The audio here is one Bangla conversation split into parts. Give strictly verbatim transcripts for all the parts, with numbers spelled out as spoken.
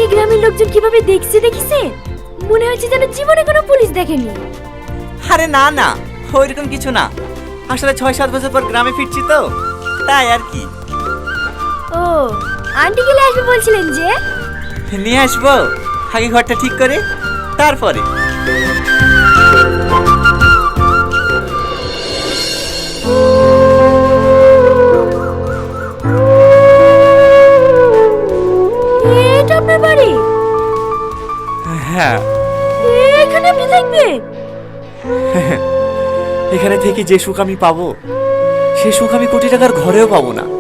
গ্রামের লোকজন কিভাবে দেখছে দেখিছে, মনে হচ্ছে যেন জীবনে কোনো পুলিশ দেখেনি। আরে না না, ওইরকম কিছু না। আসলে ছয় সাত বছর পর গ্রামে ফিরছি তো, তাই আর কি। ও, আন্টি গেলে আসবে বলছিলেন যে? নিয়ে আসবো, আগে ঘরটা ঠিক করে তারপরে। এটা আপনার বাড়ি? হ্যাঁ, এখানে আপনি থাকবেন? এখানে থেকে যে সুখ আমি পাবো, সে সুখ আমি কোটি টাকার ঘরেও পাবো না।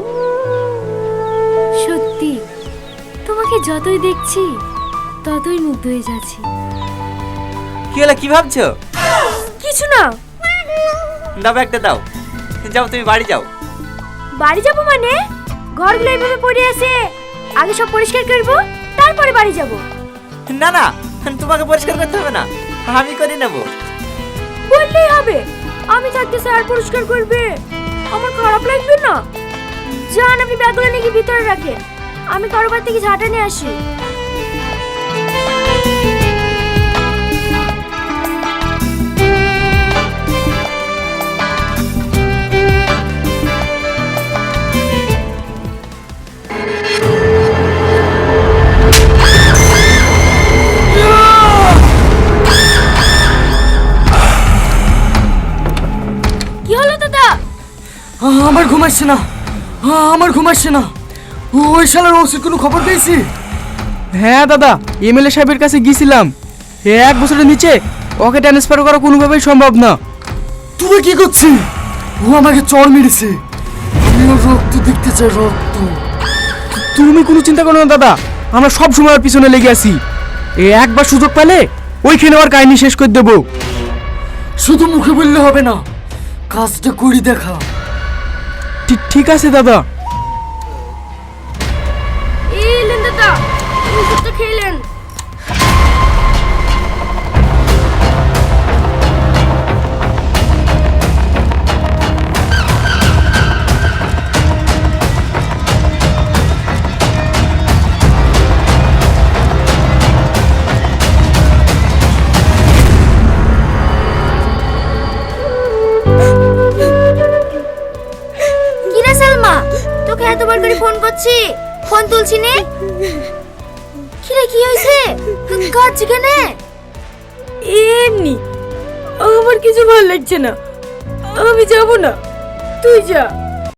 সত্যি, তোমাকে যতই দেখছি ততই মুগ্ধ হয়ে যাচ্ছি। কি হলো, কি ভাবছো? কিছু না। দাও একটা দাও, যাও তুমি বাড়ি যাও। বাড়ি যাবো মানে? ঘরগুলো এইভাবে পড়ে আছে, আগে সব পরিষ্কার করবো, তারপরে বাড়ি যাব। না না, তোমাকে পরিষ্কার করতে হবে না, আমি করে নেব। বললেই হবে, আমি থাকতে স্যার পরিষ্কার করবে, আমার খারাপ লাগবে না? যান, আপনি ব্যাগগুলো নাকি ভিতরে রাখেন, আমি কারোবার থেকে ঝাঁটা নিয়ে আসি। কি হলো দাদা? আমার ঘুম আসছে না, আমার ঘুম আসছে না। ওই শালার ওষুধ কোনো খবর পেয়েছি? হ্যাঁ দাদা, এমএলএ সাহেবের কাছে গিয়েছিলাম। এক বছরের নিচে ওকে ট্রান্সফার করা কোনোভাবেই সম্ভব না। তুই কি করছিস? ও আমাকে চড় মেরেছে, আমি ওর রক্ত দেখতে চাই, রক্ত। তুমি কোনো চিন্তা করো না দাদা, আমরা সব সময় ওর পিছনে লেগে আছি। এ একবার সুযোগ পেলে ওইখানে ওর কাহিনী শেষ করে দেবো। শুধু মুখে বললে হবে না, কাজটা করি দেখা। ঠিক ঠিক আছে দাদা। এলেন দাদা, ওষুধটা খেলেন। কিরে সালমা, তোকে এতবার করে ফোন করছি, ফোন তুলছি নে। কিরে কি হয়েছে, কাঁদছি কেন? এমনি, আমার কিছু ভালো লাগছে না, আমি যাব না, তুই যা।